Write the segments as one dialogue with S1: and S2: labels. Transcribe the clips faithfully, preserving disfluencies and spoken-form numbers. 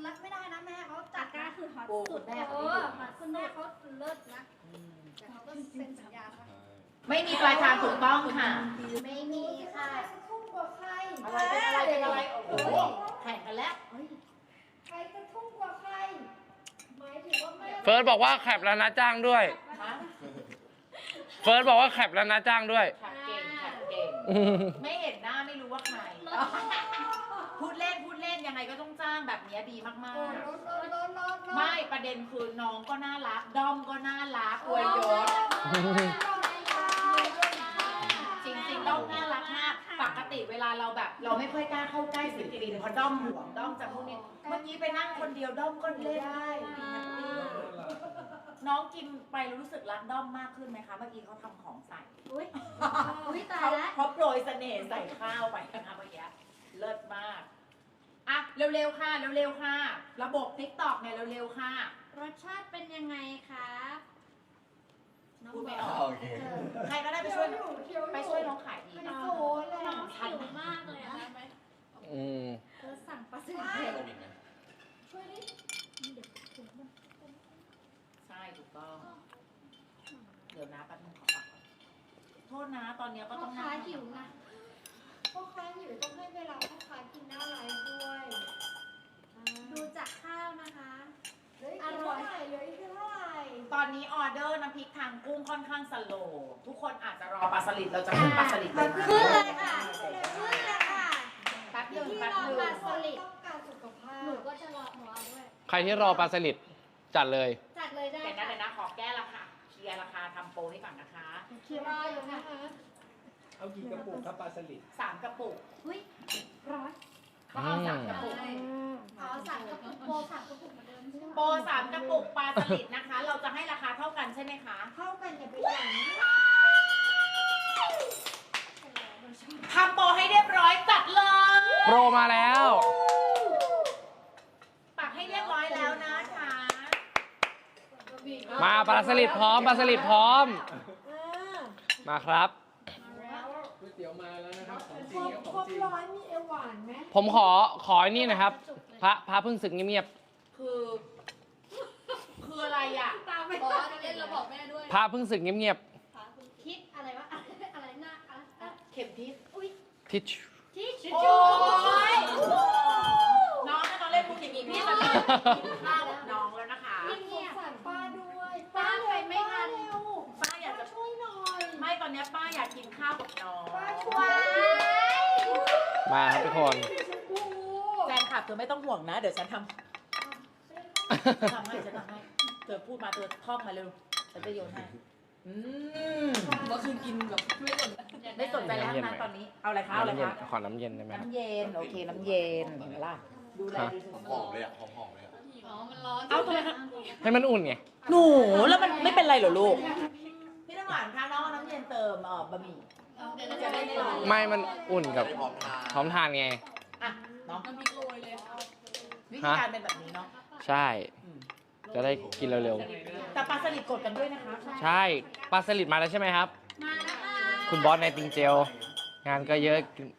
S1: นะไม่ได้นะแม่เขาจัดนะคือฮอต
S2: โอ้
S1: สุ
S2: คุ
S1: ด
S2: ณแม่
S1: เอ
S2: เขา
S1: อคุณแม่เขาเลิศนะแต่เขาก็เซ็นสัญญาค่ะ
S2: ไม่มีปลายทางถูกต้องค่ะ
S1: ไม่มีค่ะทุ่มกว่าใคร
S2: อะไรเป็นอะไรเป็นอะไรโอ้โหแข่งกันแล้ว
S1: ใครจะทุ่มกว่าใครหมายถึงว่าแม่
S3: เฟิร์สบอกว่าแคปแล้วนะจ้างด้วย
S2: ฮะ
S3: เฟิร์สบอกว่าแคปแล้วนะจ้างด้วย
S2: แข่งเก่งแข่งเก่งไม่เห็นหน้าไม่รู้ว่าใครพูดเล่นพูดเล่นยังไงก็ต้องจ้างแบบนี้ดีมาก
S1: โอ้รถรถรถรถ
S2: ๆไม่ประเด็นคือน้องก็น่ารักด้อมก็น่ารักอวยยศจริงๆด้อมน่ารักมากปกติเวลาเราแบบ เราไม่ค่อยกล้าเข้าใกล้ศิลปินเพราะด้อมห่วงด้อมจะพวกนี้เมื่อกี้ไปนั่งคนเดียวด้อมก็เล่นได้น้องกินไปรู้สึกรักด้อมมากขึ้นไหมคะเมื่อกี้เขาทำของใส่
S1: อุ้ยอุ้ยตาย
S2: เขา
S1: แล้ว
S2: เขาโปรยเสน่ห์ใส่ข้าวไปนะคะเมื่อกี้เลิศมากอ่ะเร็วๆค่ะเร็วๆค่ะ ระบบติ๊กต็อกเนี่ยเร็วๆค่ะ
S1: รสชาติเป็นยังไงคะน้อง
S2: พูด
S1: บ
S2: ไม่
S1: อ
S2: ออก
S4: โอเค
S2: ใครก็ได้ไปช่วยไปช่วยน้องขายดี
S1: มัน
S2: นะ
S1: โซนเลยน้องหิวมากเลยอะ
S3: อืม
S1: เออสั่งปลาสลิด
S4: ต้มอีกไหม
S1: ช่วยดิ
S2: ใช่ถูกต้อง เดี๋ยวนะแป๊บนึงขอปักก่อนโทษนะตอนนี้ก็
S1: พ่
S2: ต้
S1: อ
S2: อง
S1: ค้าหิวนะพ่อค้าหิวต้องให้เวลาพ่อค้ากินหน้าไลฟ์ด้วยดูจากข้าวนะคะอร่อยเหลืออีกเท่าไหร่
S2: ตอนนี้ออเดอร์น้ำพริกทางกุ้งค่อนข้างสโลว์ทุกคนอาจจะรอปลาสลิดเราจะขึ้นปลาสลิดเลยนะ
S1: ขึ้นเลยค่ะขึ้นเลยค่ะ
S2: แป๊บหนึง
S1: ที่
S2: แป๊บ
S1: รอ
S2: หนึ
S1: ปลาง สลิดต้องการสุขภาพหนูก็จะรอหนูเอาด้วย
S3: ใครที่รอปลาสลิดจัดเลย
S1: จัดเลยได้
S2: เดี๋ยวนะเดี๋ยวนะขอแก้ราคาเคลียร์ราคาทำโปรให้ก่อนนะคะ
S1: เคียวรออยู่นะคะ
S5: เอากี่กระปุกครับปลาสลิด
S2: สามกระปุก
S1: หุ้ยร้อย
S2: ก็เอาสามกระปุก
S1: อ๋อสามกระปุกโปรสามกระปุกเหมือนเดิมใช่ไหม
S2: โปรสามกระปุกปลาสลิดนะคะ เราจะให้ราคาเท่ากันใช่ไหมคะ
S1: เท่ากันอย่าไปหลัง
S2: ทำโปรให้เรียบร้อยจัดเลย
S3: โปรมาแล้ว
S2: ปักให้เรียบร้อยแล้วนะคะ
S3: มาปลาสลิดพร้อมปลาสลิดพร้อม มาครับ
S5: ก๋วยเตี๋ยวมาแล้วนะครับของจ
S1: ค
S5: ริ
S1: รง บ
S5: ครับข
S1: คร
S5: อง
S1: บ
S5: จริง
S1: ร้อยมีเอวหวานไหม
S3: ผมขอขอไอ้นี่นะครับ พระพระเพิ่งศึกเงียบ
S2: คือ คืออะไรอ่ะ
S1: ตามไป
S6: บอสเล่นเราบอกแม่ด้วย
S3: ๆพระเพิ่งศึกเงียบ
S1: คิดอะไรวะอะไรหน้าอะไร
S2: เข็มทิศ
S1: อุ้ย
S3: ๆทิช
S1: ทิช
S2: โอ้ยน้องถ้าน้องเล่นพูดอย่างนี้พี่จะกินข้าวกับน้องแล้วนะคะ
S1: เงียบสารป้าด้วยป้าไปไม่ทันเร็ว
S2: ป้าอยากจะ
S1: ช่วยหน่อย
S2: ไม่ตอนนี้ป้าอยากกินข้าวกับน้อง
S1: ป้าช่วย
S3: ๆมาครับทุกคน
S2: แฟนคลับเธอไม่ต้องห่วงนะ เดี๋ยวฉันทำทำให้ฉันทำให้เธอพูดมาเธอท่องมาเร็วฉันจะโยนให้อืม
S6: เมื่อคืนกินแบบไม่สน
S2: ไม่สนใจแล้วนะตอนนี้เอาอะไรคะเอาอะไร
S3: น้ำเย็น
S2: คะ
S3: ขอน้ำเย็นได้ไหมครับ
S2: น้ำเย็นโอเคน้ำเย็นเห็นไหมล่ะดูแลดีสุด
S4: หอมเลยอ่ะ หอมๆเลยอ่ะ
S6: อ๋อ มันร้อน
S2: เอาทำไมคะ
S3: ให้มันอุ่นไง
S2: หนูแล้วมันไม่เป็นไรเหรอลูกพี่น้ำหวานคะน้องเอาน้ำเย็นเติมเอ่อบะหมี่
S6: เดี๋ยวเราจะได้ไม่ร้อน
S3: ไม่ มันอุ่นกับ
S4: ไม่พร้อมทาน
S3: พร้อมทานไง
S2: อ่ะน้อง
S6: น้ำพริกโรยเลย
S2: วิธีการเป็นแบบนี้เนาะ
S3: ใช่ จะได้กินเร็ว
S2: แต่ปลาสลิดกดกันด้วยนะคะ
S3: ๆ ใช่ ปลาสลิดมาแล้วใช่ไหมครับ
S1: มาแล้วค่ะ
S3: คุณบอสในติงเจล งานก็เยอะ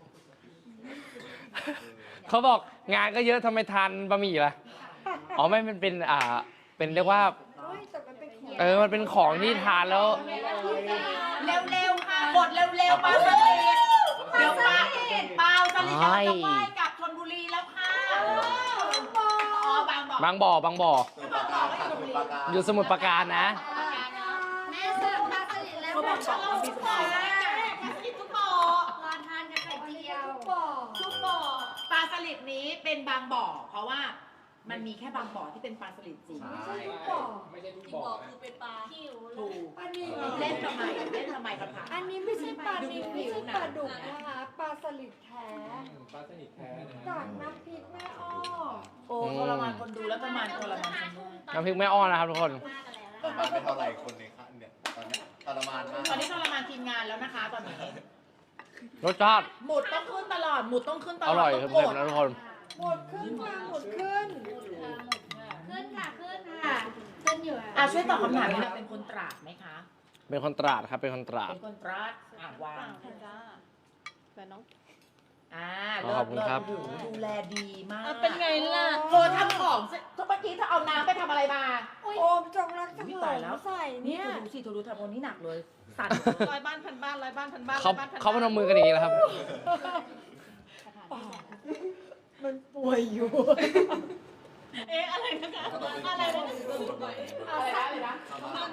S3: เขาบอกงานก็เยอะทำไมทานบะหมี่ล่ะ อ๋อไม่มันเป็นอ่า เป็นเรียกว่า เออ มันเป็นของที่ทานแล้ว
S2: เร็วๆค่ะกดเร็วๆปลาสลิดเดี๋ยวปลาปลาสลิดเราจะว่ายกลับชลบุรีแล้วค่ะอ๋อบางบ่อบ
S3: างบ่อบางบ่อ
S4: สมุทรปราการค่ะสมุทรปราการ
S3: อยู่สมุทรปราการนะ
S1: แม่เสิร์ฟปลาสลิดแล้ว
S2: เขาบอกสอง
S1: รอ
S2: ปีสุดท้ายปลาสลิดทุกบ่อ
S1: ทานกับไข่เจียว
S2: ทุกบ่อปลาสลิดนี้เป็นบางบ่อ เพราะว่ามันมีแค่บางบ่อที่เป็นปลาสลิดจริง
S5: ใช่ไม่ใช่ทุก
S6: ที่
S5: บ่อ
S6: บอก
S5: นะ
S6: คือเป็นปลา
S1: หิว
S2: ถูก
S1: อันนี้
S2: เล่นทำไมเล่นทำไมกันผ่าน
S1: อันนี้ไม่ใช่ปลาดิบไม่ใช่ปลาดุกนะคะปลาสลิดแท้
S5: อืมปลาสลิดแท้นะ
S1: จากน้ำพริกแม่อ้อ
S2: โอ้ทรมานคนดูแล้วทรมานทรมานคนดู
S3: น้ำพริกแม่อ้อนนะครับทุกคน
S4: ประมาณไม่เท่าไหร่คนในค่ะเนี่ย ตอนเนี้ยทรมานมาก
S2: ตอนนี้ทรมานทีมงานแล้วนะคะ ตอนนี้
S3: รสชาติ
S2: หมุดต้องขึ้นตลอดหมุดต้องขึ้นตลอ
S3: อ
S2: ด
S3: ร่อย
S2: ต้อง
S3: เค็ม
S2: กด
S3: ๆนะทุกคน
S1: หมดขึ้นค่ะหมดขึ้น ขึ้นค่ะขึ้นค่ะขึ้นอยู่
S2: อ่ะช่วยตอบคำถามนี้นะเป็นคนตราดไหมคะ
S3: เป็นคนตราดครับ เป็นคนตราด
S2: เป็นคนตราดอ่ะวาง
S6: แฟนน้อง
S2: อ่า
S3: ขอบคุณครับ
S2: เลิศเลิศดูแลดีมาก
S6: เป็นไงล่ะ
S2: เธอทำของของสิเมื่อกี้เธอเอาน้ำไปทำอะไรมา
S1: โอมจงรักจง
S2: อุ๊ย
S1: หล
S2: ตาย
S1: ง
S2: แล้ว
S1: ใส่
S2: นี่
S1: เนี่ย
S2: เธอดูสิเธอดูทำคนนี้หนักเลย สั่น
S6: ร้อยบ้านพันบ้านร้อยบ้านพันบ้าน
S3: เขา
S6: ร้อยบ้านพัน
S3: เขาพนมมือกันอย่างนี้แล้วครับ
S1: มันป่วยอยู่
S6: เอ๊ะอะไรนะคะ
S4: ก็ต้องเป็น
S6: อะไรนะ
S2: อะไรนะอะไรนะ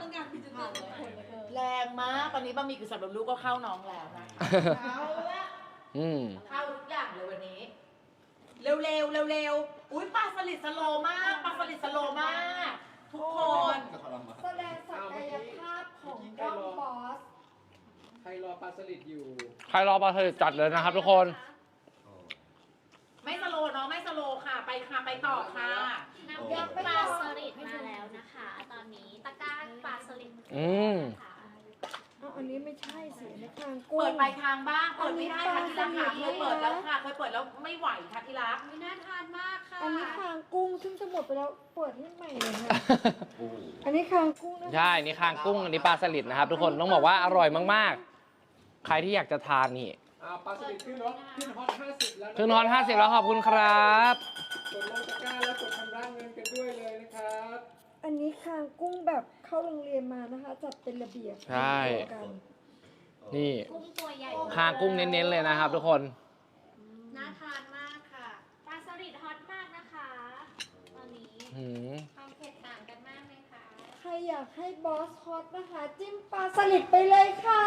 S2: แรงมากตอนนี้บะหมี่กึ่งสำเร็จรูปก็เข้าน้องแล้วนะเอาละ
S3: อืม
S2: เข้าทุกอย่างเลยวันนี้ เร็วเร็วเร็วเร็วๆอุ้ยปลาสลิดสโลว์มากปลาสลิดสโลว์มาก ทุกคน
S4: ทรมาน
S1: แสดงศักยภาพของด้อมบอส
S5: ใครรอปลาสลิดอยู่
S3: ใครรอปลาสลิดจัดเลยนะครับทุกคน
S4: โอ้
S2: ไม่สโลว์เนาะไม่สโลว์ค่ะ ไปค่ะไปต่อค่ะ
S7: น้ำพริกปลาสลิดมาแล้วนะคะ ตอนนี้ตะกร้าปลาสลิด
S3: อืม
S7: ค่ะ
S1: เอาอันนี้ไม่ใช่สิในคางกุ้ง
S2: เปิดไปทางบ้างเปิดไม่ได้ค่ะที่รักค่ะ
S1: อัน
S2: เค
S1: นี้
S2: ย
S1: ปลาสลิด
S2: เปิดแล้วค่ะเคยเปิดแล้วไม่ไหวค่ะที่รัก
S7: ไม่น่าทานมากค่ะ
S1: อันนี้คางกุ้งซึ่งจะหมดไปแล้วเปิดให้ใหม่เลยค่ะ
S4: โอ้
S1: อันนี้คางกุ้งนะคะ
S3: ใช่ นี่คางกุ้ง อันนี้ปลาสลิดนะครับ ทุกคน ต้องบอกว่าอร่อยมากๆ ใครที่อยากจะทานนี่
S5: อ่าปลาสลิดขึ้นรถขึ้นฮอตห้าสิบแล้วะ
S3: ขึ้นฮอตห้าสิบแล้วขอบคุณครับ
S5: กดลงตะกร้าแล้วกดชำระเงินกันด้วยเลยนะครับ
S1: อันนี้คางกุ้งแบบเข้าโรงเรียนมานะคะ จัดเป็นระเบียบ
S3: ใช่
S1: เดียวกัน
S3: นี่
S7: กุ้งตัวใหญ่
S3: คางกุ้งเน้นๆเลยนะครับทุกคน
S7: น่าทานมากค่ะ ปลาสลิดฮอตมากนะคะ ตอนนี้
S3: หืม
S7: ความเผ็ดต่างกันมากเลยค่ะ
S1: ใครอยากให้บอสฮอตนะคะ จิ้มปลาสลิดไปเลยค่ะ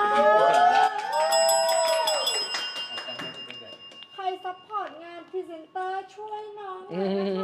S1: ใครซัพพอร์ตงานพรีเซนเตอร์ช่วยน้องหน่อยนะคะ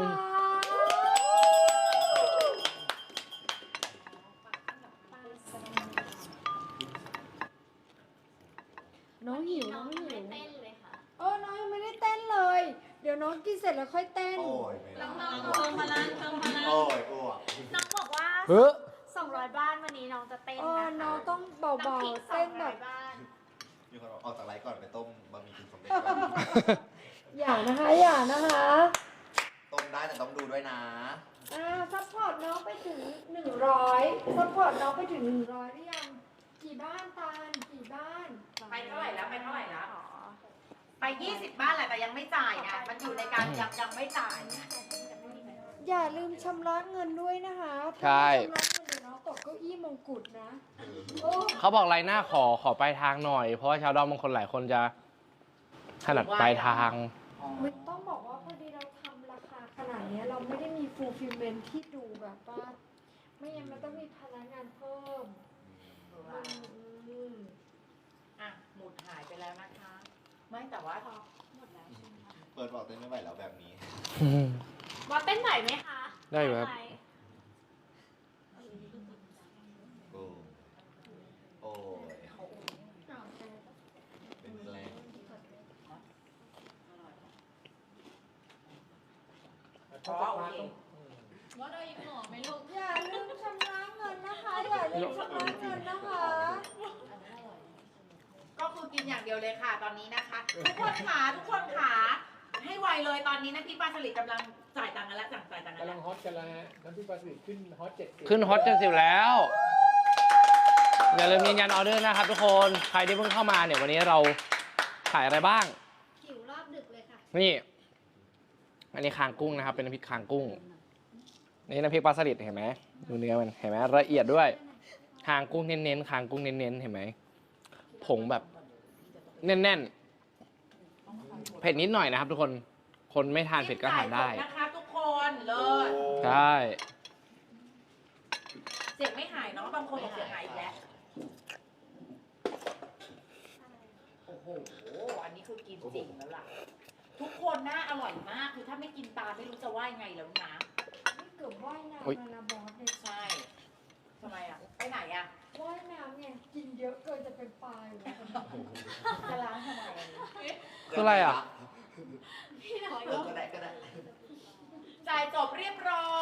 S1: น้องหิวน้องหิว
S7: ไม่เต้นเลยค่ะ
S1: เออน้องยังไม่ได้เต้นเลย เดี๋ยวน้องกินเสร็จแล้วค่อยเต้น
S4: โอ้ยไม่ได้
S7: น้องๆเพิ่มพลังเพิ่มพลัง
S4: โอ้ยอ้วก
S7: น้องบอกว่า
S3: เฮ้อ
S7: สองร้อยบ้านวันนี้น้องจะเต้น
S1: เอ
S7: นะคะ
S1: อน้องต้องเบา
S7: น้ำพริก
S1: ๆ
S7: สอ
S1: เต้
S7: ง
S1: นแบ
S7: ร้อบ ยบ้าน
S4: มีคนบอกออกจากไลฟ์ก่อนไปต้มบะหมี่กึ่งสำเร็จก่อน
S1: อย่านะคะ อย่านะคะ
S4: ต้มได้แต่ต้องดูด้วยนะ
S1: อ่าซัพพอร์ตน้องไปถึงหนึ่งร้อยซัพพอร์ตน้องไปถึงหนึ่งร้อยหรือยัง กี่บ้านตาลกี่บ้าน
S2: ไปเท่าไหร่แล้วไปเท่าไหร่แล้วไปยี่สิบบ้านแหละแต่ยังไม่จ่ายไงมันอยู่ในการยังยังไม่จ่ายไง
S1: อย่าลืมชำระเงินด้วยนะคะ
S3: ใช่
S1: ถ้าไม่ชำระเงินเดี๋ยวน้องตกเก้าอี้มงกุฎนะโอ้
S3: เขาบอกไรหน้าขอขอปลายทางหน่อย เพราะว่าชาวดอมบางคนหลายคนจะถนัดปลายทาง
S1: ไม่ต้องบอกว่าพอดีเราทำราคาขนาดเนี้ยเราไม่ได้มี fulfillment ที่ดูแบบว่า ไม่งั้นมันต้องมีพนักงานเพิ่มอืม
S2: อ่ะหมุดหายไปแล้วนะคะ ไม่แต่ว่า
S4: เปิดบอกเต้นไม่ไหวแล้วแบบนี้
S7: ว่าเต้นไหวไหมคะ
S3: ได้อยู่ครับ
S7: หว
S4: โอ้โอ้ยเป็นแรง
S2: อ๋อโอเค
S6: ว่าได้อีกหน่อไหมลูก
S1: อย่าลืมชำระเงินนะคะ อย่าลืมชำระเงินนะคะ
S2: ก็คือกินอย่างเดียวเลยค่ะตอนนี้นะคะ ทุกคนขาทุกคนขาให้ไวเลยตอนนี้นะพี่ปลาสลิดกำลังจ่ายตังค์กันแล้วจ่ายตังค์กัน
S5: กำ
S2: แล้
S5: ลั
S2: ว
S5: งฮอตกันแล้วฮะน้ำพริกปลาสลิดขึ้นฮอตเจ็ดสิบ
S3: ขึ้นฮอตเจ็ดสิบแล้ว อย่าลืมยืนยันออเดอร์นะครับทุกคน ใครที่เพิ่งเข้ามาเนี่ยวันนี้เราขายอะไรบ้าง
S7: หิวรอบดึกเลยค่ะ
S3: นี่ อันนี้คางกุ้งนะครับ เป็นน้ำพริกคางกุ้ง นี่น้ำพริกปลาสลิดเห็นไหมดูเนื้อมันเห็นไหมละเอียดด้วย คางกุ้งเน้นๆ คางกุ้งเน้นๆ เห็นไหมผงแบบแน่นๆ เผ็ดนิดหน่อยนะครับทุกคน คนไม่ทานเผ็ดก็ทานได้
S2: จิ้มจ่ยสนะคะทุกคนเลิศ
S3: ใช่
S2: เสียงไม่หายเนาะบางคนบอกเสียงหายอีกแล้วโอ้โหอันนี้คือกินจริงแล้วล่ะ ทุกคนน่าอร่อยมากคือถ้าไม่กินตามไม่รู้จะว่ายังไงแล้วนะ
S1: นี่เกือบว่ายน้ำ
S3: อุ๊ย
S1: แล้วนะบอสเนี่ย
S2: ใช่ทำไมอ่ะไปไหนอ่ะ
S1: ว่ายน้ำไงกินเยอะเกินจะเป็นปลาอยู่แล้ว
S2: จะล้างทำไมอันนี้
S3: คืออะไรอ่ะ
S7: พี่น้อย
S4: เออก็ได้ก็ได้
S2: จ่ายจบเรียบร้อย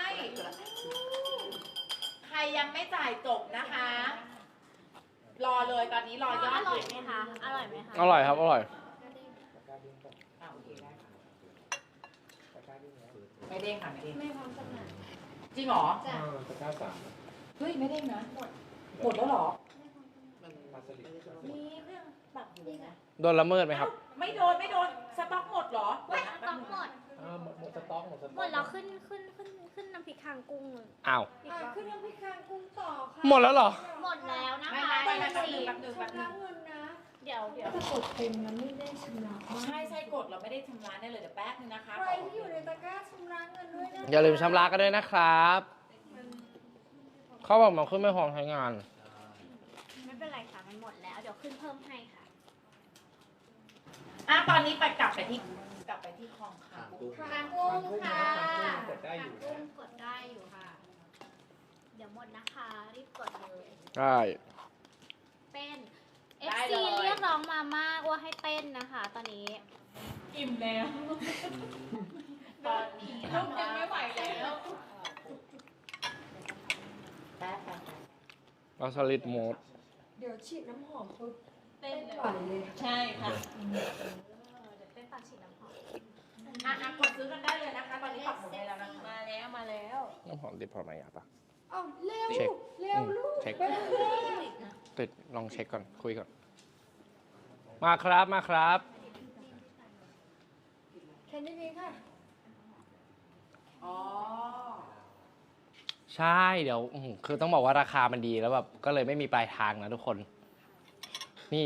S2: ใครยังไม่จ่ายจบนะคะ รอเลยตอนนี้รอยอ
S7: อ
S2: ด
S7: ร่อยไหมคะ อร่อยไหมคะ
S3: อร่อยครับ อร่อย
S2: อ่ะโอเคได้ค่ะ
S5: ตะกร้าดิ้งแล้ว
S2: ไม่เด้งค่ะไม่เด้ง
S1: ไม่พร้อมจำหน่าย
S2: จริงเหรอ
S1: จ้ะ
S5: อ่าตะกร้าสาม
S2: เฮ้ยไม่เด้งนะหมดหมดแล้วเหรอ
S5: ปลาสลิด
S2: มีเครื่องปรับอยู่นะ
S3: โดนละเมิดไหมครับ
S2: ไม่โดนไม่โดนสต็อกหมดเหรอ
S7: เว้ยต้องหมด
S5: อ่าหมดหมดสต
S3: ต้องสต๊อก
S7: หมดแล้วขึ้นขึ้นขึ้นขึ้นน้ำพริกคางกุ้งเลย
S3: อ้าว
S7: อีก
S1: อ่ะ
S7: รอบ
S1: ขึ้นน้ำพริกคางกุ้งต่อค่ะ
S3: หมดแล้วเหรอ
S7: หมดแล้วนะ
S2: ไม่
S7: คะ
S2: ไม่
S7: ต
S2: ไม่
S7: อน
S2: แป๊บหนึ
S7: นี้
S2: งแป๊บหนึงแป๊บหนึ
S1: ชำระ
S2: ง
S1: เงินนะ
S7: เดี๋ยวเดี๋ยว
S1: ถ้ากดเต็มนะไม่ได้ชำระ
S2: ใช่ใช่กดเราไม่ได้ชำระได้เลยเดี๋ยวแป๊บนึงนะคะ
S1: ใครที่อยู่ในตะกร้าชำระเงินด้วยนะ
S3: อย่าลืมชำระกันด้วยนะครับ เขาบอกมันขึ้นไม่พร้อมใช้งาน
S7: ไม่เป็นไรค่ะมันหมดแล้วเดี๋ยวขึ้นเพิ่มให้ค่ะ
S2: อ่ะตอนนี้ไปกลับไปที่กลับไปที่คลองค่ะ
S7: คางกุ้งค่ะ
S5: กดได้อยู่
S7: คางกุ้งกดได้อยู่ค่ะ เดี๋ยวหมดนะคะรีบกดเลย
S3: ได้
S7: เต้น เอฟ ซี เรียกร้องมามากว่าให้เต้นนะคะ ตอนนี้
S6: อิ่มแล้ว
S2: ตอนนี้
S6: ลูกยังไม่ไหวแล้ว
S2: แป๊บแป๊บแป๊บ
S3: เราสลิดโหมด
S1: เดี๋ยวฉีดน้ำหอมปุ๊บ
S6: เต้
S1: เต้
S6: น
S1: น
S6: เลย
S1: ไหวเลย
S6: ใช่ค่ะ
S7: เดี๋ยวเต้นตอนฉีดน้ำหอม
S2: อ่ะอ่ะกดซื้อกันได้เลยนะคะ ตอนนี้ปักหมุดให้แล้วนะคะ
S6: มาแล้วมาแล้ว
S3: น้ำหอมติดพอไหมอ่ะปะ
S1: เอ้าเร็ว
S3: เช็ค
S1: เร็วลูก
S3: เช็ค
S1: ไปเลย
S3: ติดลองเช็คก่อน คุยก่อน มาครับมาครับ
S1: แค่นี้เองค่ะ
S2: อ๋อ
S3: ใช่เดี๋ยวอื้อหือคือต้องบอกว่าราคามันดีแล้วแบบก็เลยไม่มีปลายทางนะทุกคน นี่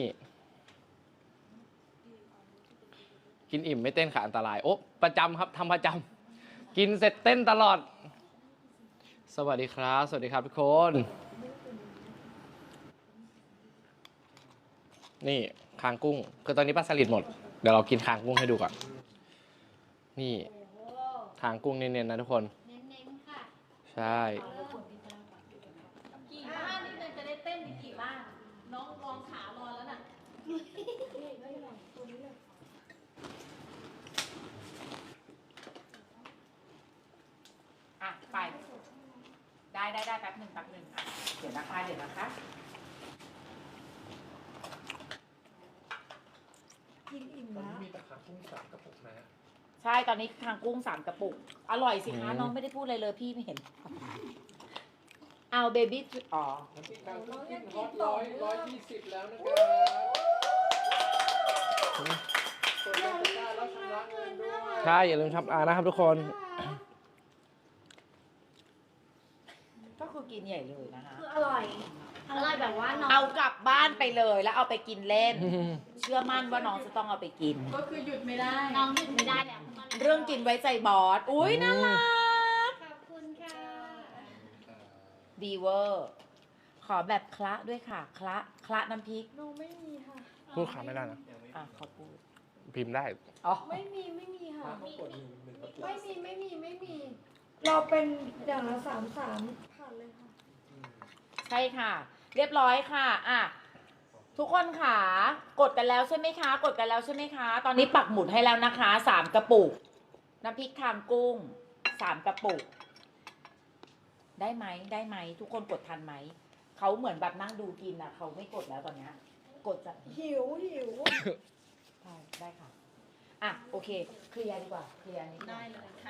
S3: กินอิ่มไม่เต้นค่ะอันตราย โอ้ประจำครับทำประจำกินเสร็จเต้นตลอด สวัสดีครับ สวัสดีครับทุกคน นี่คางกุ้ง คือตอนนี้ปลาสลิดหมด เดี๋ยวเรากินคางกุ้งให้ดูก่อน นี่คางกุ้งเน้นๆนะทุกคน
S7: เน้นๆค่ะ
S3: ใช่
S6: กี่บ้านนี่เลยจะได้เต้นอีกกี่บ้าน น้องลองขารอแล้วน่ะ
S2: อ่ะไป ได้ได้ได้แป๊บหนึ่งแป๊บหนึ่งอ่ะเดี๋ยวนะคะเดี๋ยวนะคะ
S1: กินอิ่ม
S5: ตอน
S1: แล้ว
S5: นี้มีแต่ขากุ้งสามกระปุกนะ
S2: ใช่ตอนนี้ทางกุ้งสามกระปุก อร่อยสิคะ
S3: อืม
S2: น้องไม่ได้พูดอะไรเลยพี่ไม่เห็น เอาเบบี้อ๋อ
S5: น้ำพริกกางกุ้งขึ้นฮอตร้อยร้อยยี่สิบแล้วนะครับกดได้ตะกร้าแล้วชำระเงินด้วย
S3: ใช่ อย่าลืมชำระนะครับทุกคน
S2: ก็คือกินใหญ่เลยนะคะ
S7: คืออร่อย อร่อยแบบว่าน้อง
S2: เอากลับบ้านไปเลยแล้วเอาไปกินเล่น เชื่อมั่นว่าน้องจะต้องเอาไปกิน
S6: ก็คือหยุดไม่ได้
S7: น้องหยุดไม่ได้แล้ว
S2: เรื่องกินไว้ใจบอส อุ้ยน่ารัก
S7: ขอบคุณค่ะ
S2: ดีเวอร์ ขอแบบคละด้วยค่ะ คละคละน้ำพริก
S1: น้องไม่มีค่ะ
S3: พูดคำไม่ได้นะ
S2: อ่ะขอพูด
S3: พิมพ์ได้
S2: อ๋อ
S1: ไม่มีไม่มีค่ะ
S5: เขากดหนึ่งหนึ่งกระปุก
S1: ไม่มีไม่มีไม่มี เราเป็นอย่างละสามสามผ่านเลยค่ะ
S2: ใช่ค่ะ เรียบร้อยค่ะ อ่ะ ทุกคนค่ะ กดกันแล้วใช่ไหมคะ กดกันแล้วใช่ไหมคะ ตอนนี้ปักหมุดให้แล้วนะคะสามกระปุก น้ำพริกคางกุ้งสามกระปุก ได้ไหมได้ไหม ทุกคนกดทันไหม เขาเหมือนแบบนั่งดูกินอ่ะ เขาไม่กดแล้วตอนเนี้ย กดจะ
S1: หิวหิว
S2: ได้ได้ค่ะ อ่ะ โอเค เคลียร์ดีกว่า เคลียร์นิดหน่
S6: ได้
S2: อย
S6: เลยค่ะ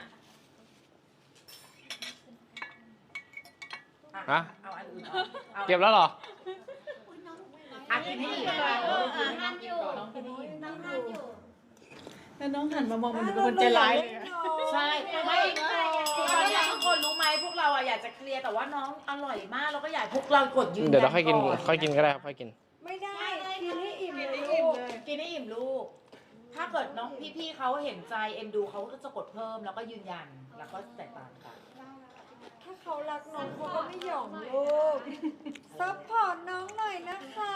S2: อ่ะ
S3: ฮะ
S2: เอาอันอื่นออกเอา
S3: เก็บแล้วเหรอ
S2: อ่ะกินให้อิ่ม
S7: เอออ่ะทานอยู่
S2: น้องกินให้อิ่ม
S7: น้องทานอยู่
S6: แล้วน้องหันมามองมันเป็นคนใจร้ายเลยอะ
S2: ใช่ไม่ตอนนี้ทุกคนรู้ไหมพวกเราอะอยากจะเคลียร์แต่ว่าน้องอร่อยมากเราก็อยากให้พวกเรากดยืนยัน
S3: เดี๋ยวเราค่อยกิน
S2: ก่
S3: ค่อยกินก็ได้ครับ ค่อยกิน
S1: ไม่ได้ กินให้อิ่มเลย
S6: กินให้
S1: ลู
S6: อิ่ม
S1: ก
S6: เลย
S2: กินให้อิ่มลูก ถ้าเกิดน้องพี่ๆเขาเห็นใจเอ็นดูเขาก็จะกดเพิ่มแล้วก็ยืนยันแล้วก็แตกต่างกัน
S1: ถ้าเขารักน้องเขาก็ไม่หย่องลูก ซัพพอร์ตน้องหน่อยนะคะ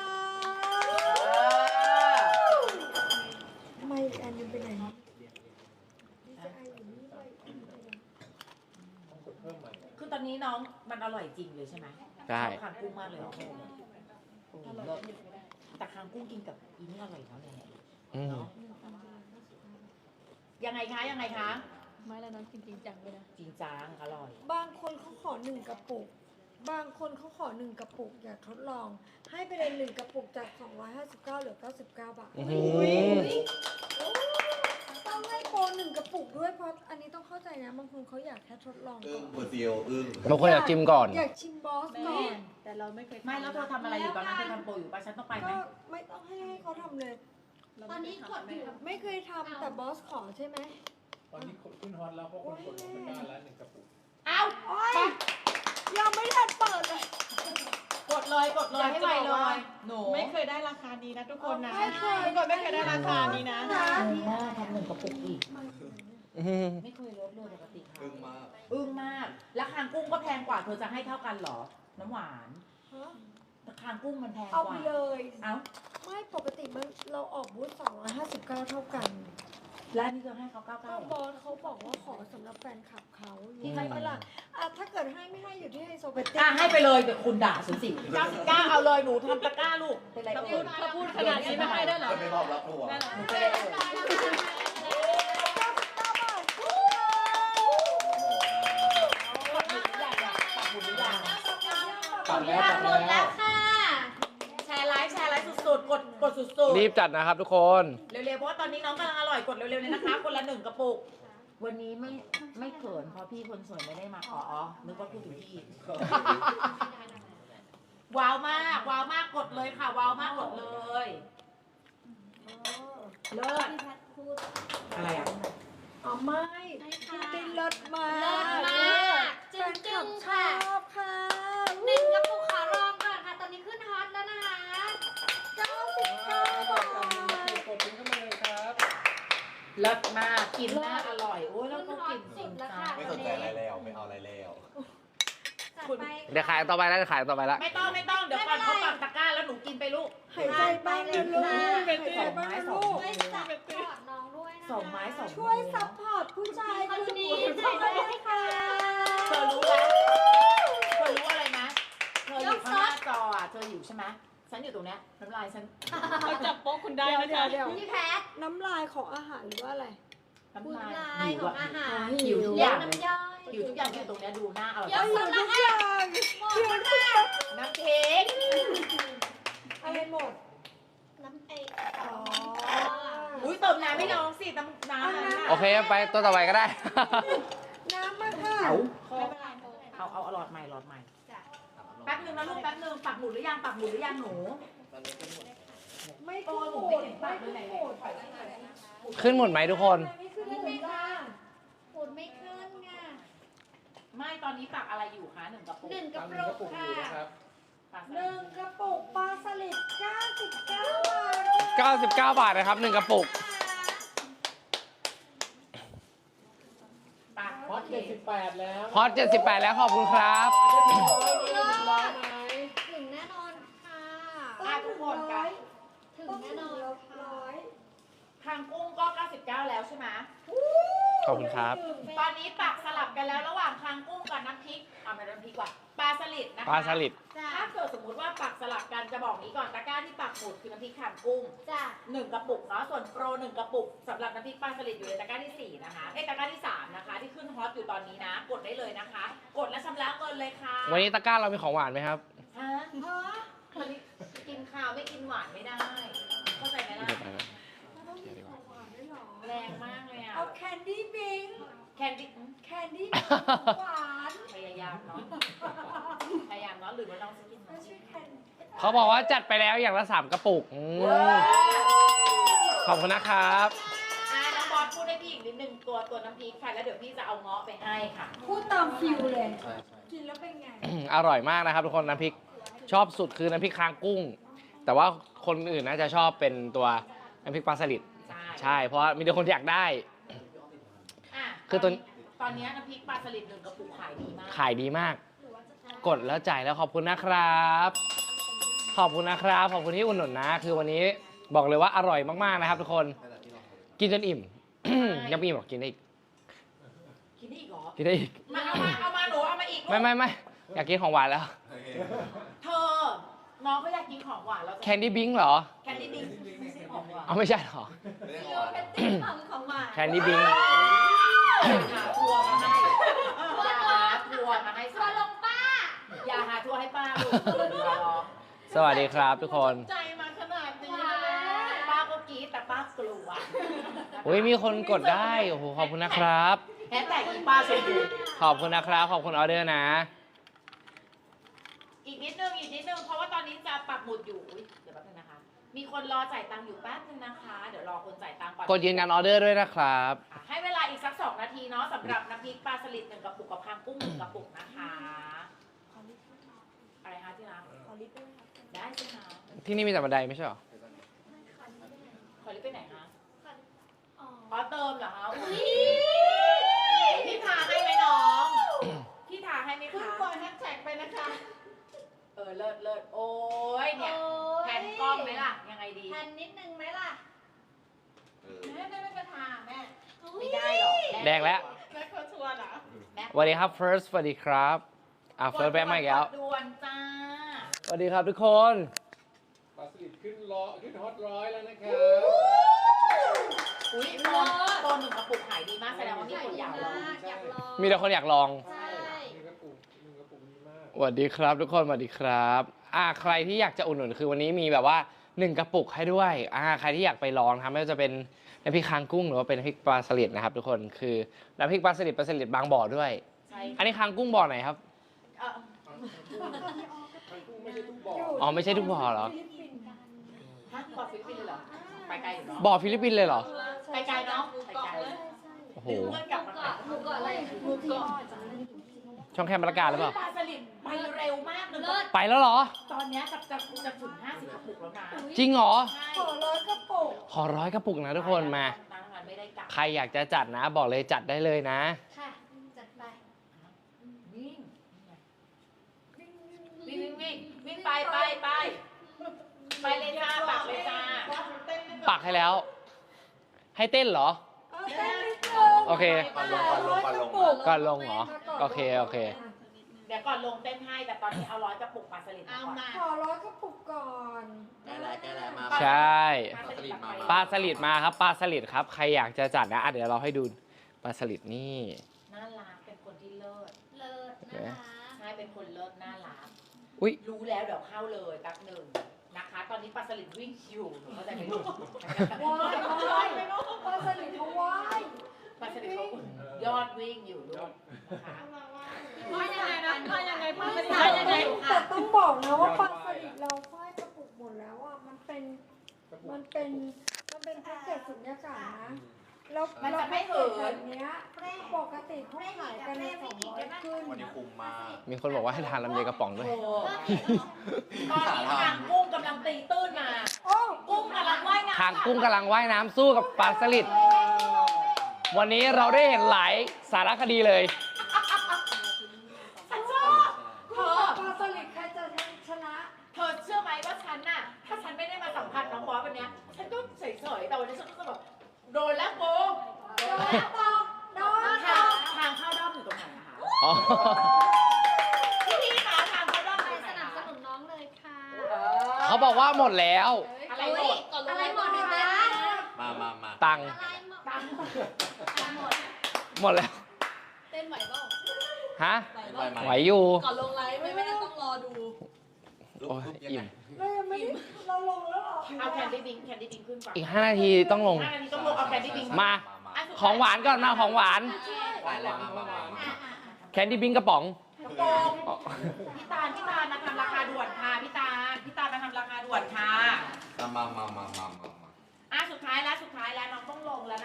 S1: ไม่อีกอันหนึงไปไหนดีใจอยู่นี่ไปอีกอันหนึ่งไปไหน
S5: ต้องกดเพิ่มใหม่
S2: คือตอนนี้น้องมันอร่อยจริงเลยใช่ไหม
S3: ใช่
S2: ชอบคางกุ้งมากเลยโอ้โหโอ้โหเลิศแต่คางกุ้งกินกับอีนี่อร่อยเนาะเนี่ย
S3: อืม
S2: เนาะยังไงคะยังไงคะ
S6: ไม่แล้วน้องกินจริงจังเลยนะ
S2: จริงจังอร่อย
S1: บางคนเขาขอหนึ่งกระปุก บางคนเขาขอหนึ่งกระปุกอยากทดลอง ให้ไปเลยหนึ่งกระปุกจากสองร้อยห้าสิบเก้าเหลือเก้าสิบเก้าบาท
S3: อื้อหือ
S1: ต้องให้โปรหนึ่งกระปุกด้วยเพราะอันนี้ต้องเข้าใจนะบางคนเขาอยากแค่ทดลอง
S4: อึ้
S1: ก่
S4: ง
S1: อน
S4: เปอร์เซียวอึ้ง
S3: บางคนอยากจิ้มก่อน
S1: อยากชิมบอสก่อน
S6: แต่เราไม่เคย
S2: ไม่แล้วเธอทำอะไรอยู่ตอนนั้นเธอทำโปรอยู่ป่ะฉันต้องไปไหม
S1: ก็ไม่ต้องให้ให้เขาทำเลย
S6: เรา
S7: ตอนนี้กดอยู่
S1: ไม่เคยทำแต่บอสขอใช่ไหม
S5: ตอนนี้ขึ้นฮอตแล้วเพราะคนกดลงตะกร้าแล้วหนึ่งกระปุก
S2: เอา
S1: โอ๊ยยังไม่ทันเปิดเลย
S2: กดเลยกดเลยให้ไวเลยหนู
S6: ไม่เคยได้ราคานี้นะทุกคนนะ
S1: ไม่เคย
S6: ทุกคนไม่เคยได้ราคานี้นะ
S2: ดีมากทำหนึ่งกระปุกอีก
S3: อืม
S2: ไม่เคยลดเลยปกติค่ะ
S4: อึ้งมาก
S2: อึ้งมาก แล้วคางกุ้งก็แพงกว่า เธอจะให้เท่ากันเหรอ น้ำหวาน
S1: ฮะ
S2: แต่คางกุ้งมันแพงก
S1: เอา
S2: ว่า
S1: ไปเลย
S2: เอ้า
S1: ไม่ปกติมันเราออกบูธสองร้อยห้าสิบเก้าเท่ากัน
S2: แล้วอันนี่เธอให้เขาเก้า
S1: ก็
S2: เก้า
S1: บอสเขาบอกว่าขอสำหรับแฟนคลับเขา
S2: ที่
S1: ให้
S2: ให้
S1: เวลาอ่ะถ้าเกิดให้ไม่ให้อยู่ที่ไฮโซเบตตี้
S2: อ่ะให้ไปเลยเดี๋ยวคุณด่าฉันสิเก้าสิบเก้าเอาเลยหนูทำตะกร้าลูก เป็นไร
S6: ถ้า
S2: เอ่
S6: พูด
S2: ย
S6: ถ้าพูดขนาดนี้ไม่ให้ได้เหรอ
S4: จะไม่มอบรับหัว
S6: ได้เหรอ
S2: หนูเป็นไรเอ่ยปักหมุดหรือยังอะปักหมุดหรือยัง
S5: ปัดแล้ว
S7: ปั
S5: ปั
S7: ก
S5: ด
S7: หมุดแล้
S5: แล้ว ว
S7: ค่ะ
S2: แชร์ไลฟ์แชร์ไลฟ์สุดๆ กดกดสุดๆ
S3: รีบจัดนะครับทุกคน
S2: เร็วๆ เพราะว่าตอนนี้น้องกำลังอร่อยกดเร็วๆเลยนะคะ คนละหนึ่งกระปุก วันนี้ไม่ไม่เขินเพราะพี่คนสวยไม่ได้มาขออ๋อนึกว่าพูดถึงพี่ ว้าวมากว้าวมากกดเลยค่ะ ว้าวมากกดเลยเลิศ
S7: พี่แพทพูด
S2: อะไรอ่ะ
S1: อ๋อไม่
S7: ให้
S1: พู
S7: ค่ะ
S1: ดได้เลิศมาก
S7: เลิศมาก
S1: แฟ
S7: จึ้ง
S1: นค
S7: จึ้
S1: ลั
S7: ง
S1: บช
S7: ค่ะ
S1: อบค่ะ
S7: หนึ่งกระปุกขอลองก่อนค่ะ ตอนนี้ขึ้นฮอตแล้วนะคะ
S1: เก้าสิบเก้าบาท
S5: กดทิ้งเข้ามาเลยครับ
S2: เลิศมากกินน่าอร่อยโอ้ยแล้วก็กินจริงจัง
S4: ไม่สนใจอะไรแล้ว ไม่เอาอะไรแล้ว
S7: จัดไป
S3: เดี๋ยวขายต่อไปแล้วเดี๋ยวขายต่อไปแล้ว
S2: ไม่ต้องไม่ต้องเดี๋ยวก่อนเขาปักตะกร้าแล้วหนูกินไปลูก
S1: หายใจบ้างนะลูกหายใจบ้างนะลูก
S7: ช่วยซัพพอร์ตน้องด้วยนะคะ
S2: สองไม้สอง
S1: ช่วยซัพพอร์ตผู้ชาย
S7: คนนี้
S1: ช่วยด้วยค่ะ
S2: เธอรู้ไหมเธอรู้อะไรไหมเธออยู่ข้างหน้าจออ่ะเธออยู่ใช่ไหมฉันอยู่ตรงเนี้ยน้ำลายฉัน
S6: เขาจับโป๊ะคุณได้
S1: เดี๋ยว
S6: นะ
S1: เดี๋ย
S6: คะ
S1: วเดี๋ยว
S7: พี่แพท
S1: น้ำลายของอาหารหรือว่าอะไร
S2: น้ำ
S7: บุญ
S2: ลาย
S7: ลายของอาหาร
S2: หิวทุกอ
S7: เลี้ยง
S2: ย่างเลย
S7: น้ำย่อย
S2: หิวทุกอย่างอยู่ตรงเนี้ยดูหน้าอร่อย
S7: เดี๋ยว
S1: อยู่ทุกอย่าง
S7: หมดค่ะ
S2: น้ำเค้ก
S1: อะไรหมด
S7: น้ำไอ
S1: อ๋อ
S2: อุ้ยเติมน้ำไม่น้องสิน้ำน้ำนั้นน่ะ
S3: โอเคไปตัวต่อไปก็ได้
S1: น้ำมาค่ะ
S2: เอา
S7: ไม่เป็นไรไม่เป็นไร
S2: เอาเอาเอาหลอดใหม่หลอดใหม่
S7: จ้ะ
S2: แป๊บนึงนะลูกแป๊บนึงปักหมุดหรือยังปักหมุดหรือยังหนู
S1: ไม่ขึ้นหมดไม่ขึ้นหมด
S3: ขึ้นหมดไหมทุกคน
S1: ไม่ขึ้นหมดค่ะ
S7: ปูดไม่ขึ้นค่ะ
S2: ไม่ตอนนี้ปักอะไรอยู่คะหนึ่งกระปุก
S7: หนึ่งกระ
S5: ตามหนึ่ง
S7: ปุ
S5: ก
S7: ก
S5: ระปุกอยู่
S7: ค่ะ
S5: นะครับ
S2: ปัก
S1: หนึ่งกระปุกปลาสลิดเก้าสิบเก้าบาท
S3: เก้าสิบเก้า บาทนะครับหนึ่งกระปุก
S2: ปัก
S5: ฮอตเจ็ดสิบแปดแล้ว
S3: ฮอตเจ็ดสิบแปดแล้วขอบคุณครับ
S5: ร้อยไหม
S7: ถึงแน่นอนค่ะ
S2: อ่ะทุกคนกัน
S7: ถึง
S1: ต้อง
S7: แน่
S1: ถึ
S7: น
S1: ง
S7: อน
S1: ร้
S7: ค่ะ
S1: อย
S2: คางกุ้งก็เก้าสิบเก้าแล้วใช่ไหม
S3: ขอบคุณครับ
S2: ตอนนี้ปักสลับกันแล้วระหว่างคางกุ้งกับน้ำพริกเอาไม่น้ำพริกว่ะปลาสลิดนะคะ
S3: ปลาสลิด
S7: จ้ะ
S2: ถ้าเกิดสมมติว่าปักสลับกันจะบอกนี้ก่อนตะกร้าที่ปักหมุดคือน้ำพริกคางกุ้ง
S7: จ้ะ
S2: หนึ่งกระปุกเนาะส่วนโปรหนึ่งกระปุกสำหรับน้ำพริกปลาสลิดอยู่ในตะกร้าที่สี่นะคะเอ้ยตะกร้าที่สามนะคะที่ขึ้นฮอตอยู่ตอนนี้นะ กดได้เลยนะคะ กดและชำระเงินเลยค่ะ
S3: วันนี้ตะกร้าเรามีของหวานไหมครับ
S2: ฮะวันนี้กินข้าวไม่กินหวานไม่ได้เข้าใจไหมล่ะ
S1: ต้องมีของหวานด้วยเหรอ
S2: แรงมากเลยอ่ะ
S1: เอาแคนดี้บิง
S2: แคนดี้
S1: แคนดี้หวาน
S2: พยายามเนาะพยายามเนาะหรือว่าน้องจะกิน
S1: ไม่
S2: น้ำ
S1: ใช่
S2: จิ้ม
S1: แคน
S3: เขาบอกว่าจัดไปแล้วอย่างละสามกระปุกอืมขอบคุณนะครับ
S2: อ่าน้องบอสพูดให้พี่อีกนิดนึงตัวตัวน้ำพริกค่ะแล้วเดี๋ยวพี่จะเอาเงาะไปให้ค่ะ
S1: พูดตามฟิวเลย
S4: ใช่ใช่
S1: กินแล้วเป็นไง
S3: อร่อยมากนะครับทุกคนน้ำพริกชอบสุดคือน้ำพริกคางกุ้ง แต่ว่าคนอื่นน่าจะชอบเป็นตัวน้ำพริกปลาสลิด
S2: ใช่
S3: ใช่เพราะว่ามีแต่คนที่อยากได้
S2: อ่ะ
S3: คือตัว
S2: ตอนนี้น้ำพริกปลาสลิดหนึ่งกระปุกขายดีมาก
S3: ขายดีมาก กดแล้วจ่ายแล้วขอบคุณนะครับ ขอบคุณนะครับขอบคุณที่อุ่นหนุนนะ คือวันนี้บอกเลยว่าอร่อยมากๆนะครับทุกคน
S4: นั่นแหละที่เรา
S3: กินจนอิ่ม ยังไม่อิ่มหรอกกินได้อีก
S2: กินได้อีกเหรอ
S3: กินได้อีก
S2: มาเอามาเอามาหนูเอามาอีกลูก
S3: ไม่ไม่ไม่อยากกินของหวานแล้ว
S4: โอเค
S2: เธอน้องก็อยากกินของหวานแล้ว
S3: แคนดี้บิงเหรอ
S2: แคนดี้บิงไม่ใช่ของหวาน
S3: เอาไม่ใช่เหรอ
S4: ไม่ได้
S7: โย
S4: ของหวาน
S7: เพตตี้ของของหวาน
S3: แคนดี้บิง
S2: หาทัวร์มาให้อย่าหาทัวร์มาให้
S7: ชัวร์ลงป้า
S2: อย่าหาทัวร์ให้ป้าลูกรอ
S3: สวัสดีครับทุกคน
S6: ใจมาขนาดนี้
S2: ป้าก็กรี๊ดแต่ป้ากลัว
S3: อุ้ยมีคนกดได้โอ้โหขอบคุณนะครับ
S2: แฮชแท็กอีป้าชมพู
S3: ขอบคุณนะครับ ขอบคุณออเดอร์นะ
S2: อีกนิดนึงอีกนิดนึงเพราะว่าตอนนี้จะปักหมุดอยู่อุ๊ยเดี๋ยวแป๊บนึงนะคะมีคนรอจ่ายตังค์อยู่แป๊บนึงนะคะ เดี๋ยวรอคนจ่ายตังค์ก่อน
S3: กดยืนยันออเดอร์ด้วยนะครับ
S2: ค่ะให้เวลาอีกสักสองนาทีเนาะสำหรับน้ำพริกปลาสลิดหนึ่งกระปุกกับคางกุ้งหนึ่งกระปุกนะคะ อะไรคะที่รัก
S1: ขอลิปด้วยค่ะ
S2: ได้สิคะ
S3: ที่นี่มีแต่บันไดไม่ใช่เหรอ
S2: ขอรีบไปไหนคะ
S7: อ๋อ
S2: อ๋อเติมเหรอคะอุ๊ยพี่ทาให้ไหมน้อง พี่ทาให้ไหม
S6: คุณ
S2: คะ
S6: ปล่อยแฮชแท็กไปนะคะ
S2: เออเลิศเลิศโอ้ยเนี่ย
S7: โอ้ย
S2: แผ่นกล้องไหมล่ะ ยังไงดี
S7: แผ่นนิดนึงไหมล่ะ
S4: เออ
S6: แม่แม่ไม่กระทาแม่
S2: ไม่ได้หรอก
S3: แดงแล้ว
S6: แม่เขาชวนเหรอ
S2: แม็ก
S3: สวัสดีครับ First สวัสดีครับอ่ะ First แบงค์มาอีกแล้ว
S2: กดด่วนจ้า
S3: สวัสดีครับทุกคน
S5: ปลาสลิดขึ้นร้อยขึ้นฮอตร้อยแล้วนะครับ
S2: อุ้ยตอนตอนหนึ่งกระปุกขายดีมากแสดงว่ามีคนอยากลอง
S7: อยากลอง
S3: มีแต่คนอยากลอง
S7: ใช่
S5: หนึ่งกระปุกหนึ่งกระปุกดีมาก
S3: สวัสดีครับทุกคนสวัสดีครับอ่าใครที่อยากจะอุดหนุนคือวันนี้มีแบบว่าหนึ่งกระปุกให้ด้วยอ่าใครที่อยากไปลองนะครับไม่ว่าจะเป็นน้ำพริกคางกุ้งหรือว่าเป็นน้ำพริกปลาสลิดนะครับทุกคนคือน้ำพริกปลาสลิดปลาสลิดบางบ่อด้วย
S2: ใช่
S3: อันนี้คางกุ้งบ่อไหนครับ
S2: เอ่อ
S5: ทางกุ้งไม่ใช่ทุกบ่อ
S3: อ๋อไม่ใช่ทุกบ่อเหรอ
S1: ฟิลิปปินส์กัน
S2: ฮะบอกฟิลิปปินส์เลยเหรอ ไปไกลอยู่เนาะ
S3: บ่อฟิลิปปินส์เลยเหรอ
S2: ไปไกลเนาะไปไกล
S3: โอ้โห
S2: ดึงเพื่อนกลับมา
S7: เกาะหมูเกาะอะไร
S1: หมูกรอบ
S3: ช่องแคมประกาศหรือเปล่า
S2: ปลาสลิดไปเร็วมากเลย
S7: เลิศ
S3: ไปแล้วเหรอ
S2: ตอนเนี้ยจะจะจะถึงห้าสิบกระปุกแล้วนะ
S3: จริงเหรอ
S2: ใช่
S1: ขอร้อยกระปุก
S3: ขอร้อยกระปุกนะทุกคนมา
S2: ร้านอาหารไม่ได้กลับ
S3: ใครอยากจะจัดนะบอกเลยจัดได้เลยนะ
S7: ค่ะ จัดไป
S2: วิ่งวิ่งวิ่งวิ่งวิ่งไปไปไปไปเลยจ้าปักเลยจ้า
S3: ปักให้แล้ว ให้เต้นเหรอ
S1: เอาแค่นิดนึง
S3: โอเค
S4: ก่อนลงก่อนลงก่อนลง
S3: ก่อนลงเหรอ โอเคโอเค
S2: เดี๋ยวก่อนลงเต้นให้แต่ตอนนี้เอาร้อยกระปุกปลาสลิด
S6: เอา
S2: ก่อน
S6: มา
S1: ขอร้อยกระปุกก่อน
S4: แก้แล้วแก้แล้วมา
S3: ใช่
S4: ปลาสลิดมา
S3: ปลาสลิดมาครับปลาสลิดครับ ใครอยากจะจัดนะอ่ะเดี๋ยวเราให้ดูปลาสลิดนี่
S2: น่ารักเป็นคนที่เลิศ
S7: เลิศนะคะ
S2: ใช่เป็นคนเลิศน่ารัก
S3: อุ้ย
S2: รู้แล้วเดี๋ยวเข้าเลยแป๊บหนึ่งนะคะ ตอนนี้ปลาสลิดวิ่งอยู่หนูเข้าใจไหมลูก
S1: ว้ายว้ายปลาสลิดเขาว้าย
S2: ปลาสลิดเขายอดวิ่งอยู่ลูกนะคะ
S6: ว่ายังไงนะว่ายังไงพูดไม่
S1: แต่
S6: ได้ยังไง
S1: แต่ต้องบอกนะว่าปลาสลิดเราฝ้ายกระปุกหมดแล้วอ่ะ มันเป็น มันเป็น มันเป็นแพ็กเกจสุญญากาศนะ แล้ว
S2: มันจะไม่
S1: เหิ
S2: เหิ
S1: น
S2: น
S1: เนี้ยปกติเขาขายกันในสองร้อยขึ้น
S4: วันนี้คุ้มมาก
S3: มีคนบอกว่าให้ทานลำไยกระป๋องด้วย
S2: โอ้ตอนนี้ทางกุ้งกำลังตีตื้นมา
S1: โอ้
S2: กุ้งกำลังว่ายน้ำ
S3: ทางกุ้งกำลังว่ายน้ำสู้กับปลาสลิด วันนี้เราได้เห็นหลายสารคดีเลย
S2: ฉันชอบเธอ
S1: ปลาสลิดใครจะชนะ
S2: เธอเชื่อไหมว่าฉันน่ะ ถ้าฉันไม่ได้มาสัมผัสน้องบอสวันเนี้ย ฉันก็เฉยๆ แต่วันนี้ฉันก็แบบโดนแล้วโกง
S1: โดนแล้วตอกโดนต
S2: ทา
S1: อง ก
S2: ทางเข้าด้อมอยู่ตรงไหนนะคะ
S3: อ๋อ
S2: พี่พี่คะทางเข้าด้อม
S7: ไป
S2: อยู่ตรงไหน
S7: สนับ
S2: คะ
S7: สนุนน้องเลยค่ะ
S3: เขาบอกว่าหมดแล้ว
S2: อะไรหมด
S7: อะไรหมดเลยนะ
S4: มามามา
S3: ตังค์
S7: อะไรหมด
S2: ตังค์
S7: หมด
S3: หมดแล้ว
S6: เต้นไหวเปล่า
S3: ฮะ
S4: ไปไหม
S3: ไหวอยู่
S6: ก่อนลงไลฟ์ไม่ไม่ได้ต้องรอดู
S4: ลุก
S3: โอ้ย
S4: ลุกยัง
S3: อิ่
S4: ไง
S3: ม
S1: เรายังไม่ได้เราลงแล้วเหรอ
S2: เอาแคนดี้บิงแคนดี้บิงขึ้นก่อน
S3: อีกห้านาทีต้องลง
S2: ห้านาทีต้องลงเอาแคนดี้บิง
S3: มา
S4: มา
S2: อันสุดท้ย
S3: ของหวานก่อนมาของหวาน
S4: ไปเลยมามามามา
S3: แคนดี้บิงกระป๋อง
S2: กระโปรง พี่ตาลพี่ตาลมาทำราคาด่วนค่ะพี่ตาลพี่ตาลมาทำราคาด่วนค่ะ
S4: มามามามามามา
S2: อ่ะสุดท้ายแล้วสุดท้ายแล้วน้องต้องลงแล้วนะ